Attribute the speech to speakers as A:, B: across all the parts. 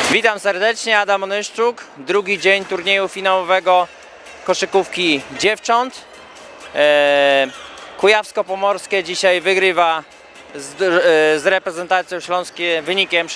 A: Witam serdecznie, Adam Onyszczuk. Drugi dzień turnieju finałowego koszykówki dziewcząt. Kujawsko-Pomorskie dzisiaj wygrywa z reprezentacją śląską wynikiem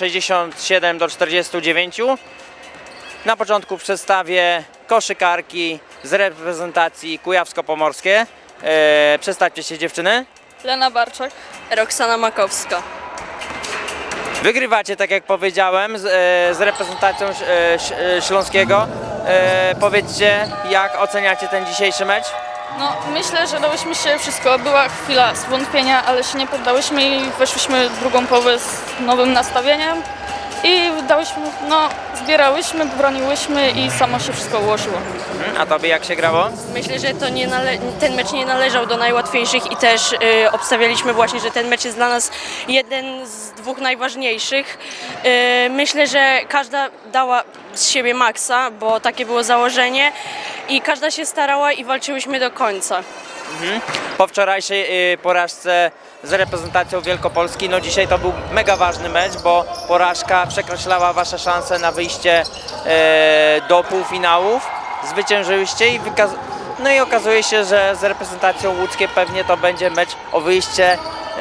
A: 67-49. Na początku przedstawię koszykarki z reprezentacji kujawsko-pomorskie. Przedstawcie się, dziewczyny.
B: Lena Barczak.
C: Roxana Makowska.
A: Wygrywacie, tak jak powiedziałem, z reprezentacją Śląskiego. Powiedzcie, jak oceniacie ten dzisiejszy mecz?
B: No, myślę, że dałyśmy się wszystko. Była chwila zwątpienia, ale się nie poddałyśmy i weszłyśmy w drugą połowę z nowym nastawieniem. I zbierałyśmy, broniłyśmy i samo się wszystko ułożyło.
A: A tobie jak się grało?
C: Myślę, że to ten mecz nie należał do najłatwiejszych i też obstawialiśmy właśnie, że ten mecz jest dla nas jeden z dwóch najważniejszych. Myślę, że każda dała z siebie maksa, bo takie było założenie i każda się starała i walczyłyśmy do końca.
A: Po wczorajszej porażce z reprezentacją Wielkopolski, no dzisiaj to był mega ważny mecz, bo porażka przekreślała wasze szanse na wyjście do półfinałów. Zwyciężyłyście i okazuje się, że z reprezentacją łódzkie pewnie to będzie mecz o wyjście.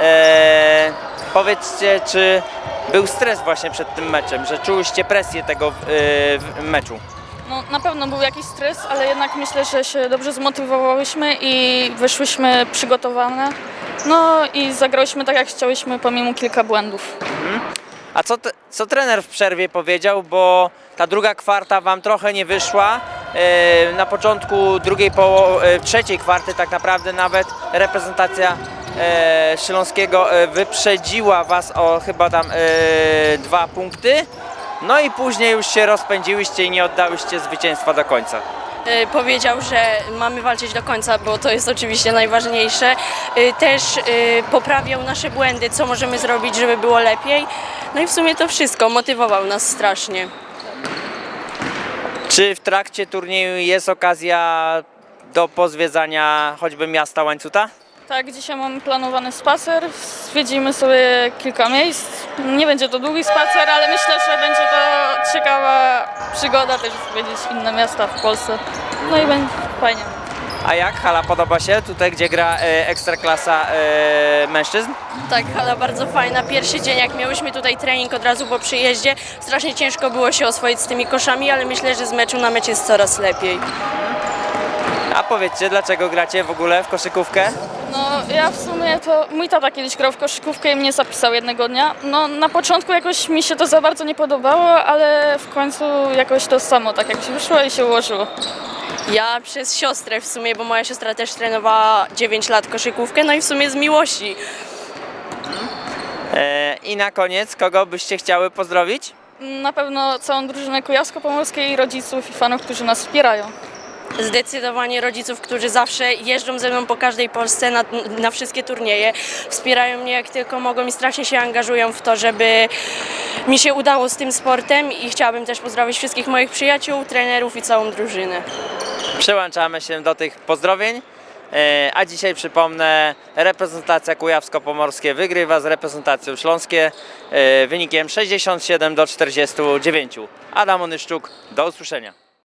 A: Powiedzcie, czy był stres właśnie przed tym meczem, że czułyście presję tego meczu?
B: No, na pewno był jakiś stres, ale jednak myślę, że się dobrze zmotywowałyśmy i wyszłyśmy przygotowane. No i zagrałyśmy tak, jak chciałyśmy, pomimo kilka błędów.
A: A co trener w przerwie powiedział, bo ta druga kwarta wam trochę nie wyszła. Na początku trzeciej kwarty tak naprawdę nawet reprezentacja Śląskiego wyprzedziła was o chyba tam 2 punkty. No i później już się rozpędziłyście i nie oddałyście zwycięstwa do końca.
C: Powiedział, że mamy walczyć do końca, bo to jest oczywiście najważniejsze. Też poprawiał nasze błędy, co możemy zrobić, żeby było lepiej. No i w sumie to wszystko, motywował nas strasznie.
A: Czy w trakcie turnieju jest okazja do pozwiedzania choćby miasta Łańcuta?
B: Tak, dzisiaj mamy planowany spacer, zwiedzimy sobie kilka miejsc. Nie będzie to długi spacer, ale myślę, że będzie to ciekawa przygoda też zwiedzić inne miasta w Polsce. No i będzie fajnie.
A: A jak hala podoba się tutaj, gdzie gra ekstraklasa mężczyzn?
C: Tak, hala bardzo fajna. Pierwszy dzień, jak miałyśmy tutaj trening od razu po przyjeździe, strasznie ciężko było się oswoić z tymi koszami, ale myślę, że z meczu na mecz jest coraz lepiej.
A: A powiedzcie, dlaczego gracie w ogóle w koszykówkę?
B: No ja w sumie to mój tata kiedyś grał w koszykówkę i mnie zapisał jednego dnia. No na początku jakoś mi się to za bardzo nie podobało, ale w końcu jakoś to samo tak jak się wyszło i się ułożyło.
C: Ja przez siostrę w sumie, bo moja siostra też trenowała 9 lat koszykówkę, no i w sumie z miłości.
A: I na koniec, kogo byście chciały pozdrowić?
B: Na pewno całą drużynę kujawsko-pomorskiej i rodziców i fanów, którzy nas wspierają.
C: Zdecydowanie rodziców, którzy zawsze jeżdżą ze mną po każdej Polsce na wszystkie turnieje. Wspierają mnie jak tylko mogą i strasznie się angażują w to, żeby mi się udało z tym sportem i chciałabym też pozdrowić wszystkich moich przyjaciół, trenerów i całą drużynę.
A: Przyłączamy się do tych pozdrowień. A dzisiaj przypomnę, reprezentacja kujawsko-pomorskie wygrywa z reprezentacją śląskie wynikiem 67-49. Adam Onyszczuk, do usłyszenia.